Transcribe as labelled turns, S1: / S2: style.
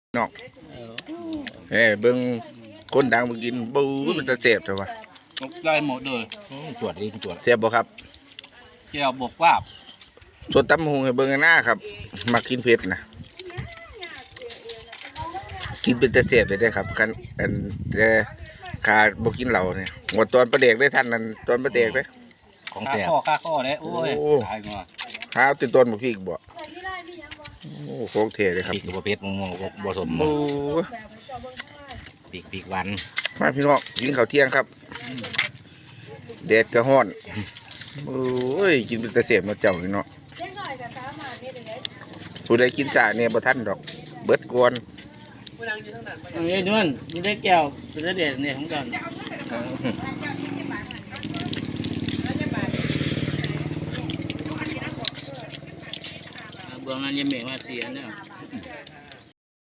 S1: นอกเบิ่งคนดังมากินบู๊มันจะเจ็บแต่ว่า
S2: ตกได้หมดเลย
S3: ตรวจดิตรวจ
S1: เจ็บบ่ครับ
S2: เจียวบวกว่าบ
S1: ส่วนตำหงให้เบิ่งหน้าครับมากินเผ็ดนะกินเป็นแต่เสียบเลยได้ครับคันอันแต่ขาบ่กินเหล้าเนี่ยหมดตอนประเด็กได้ท่านนั้นตอนประเด็กเลย
S3: ของ
S2: ค่า
S3: แสบ
S2: ข้อเลยโอ้ย
S1: โอ้
S2: ตายงัว
S1: ข้าวติดต้นบ่พริกบ่โอ้โคกเทเลยครับ
S3: ปีกตัวเพชรมงผสม
S1: โอ้
S3: ปีกวัน
S1: มาพี่น้องกินข้าวเที่ยงครับแดดก็ร้อนโอ้ยกินเป็นแต่เสียบมาเจ้าพี่น้องผู้ใดกินจ่าเนี่ยบ่ทันดอกเบิดกวน
S4: อันนี้ด้วยนี่ได้แก้วเป็นเด็ดเนี่ยของกันเบื้องนั้นยังเหม่งมาเสียเนี่ย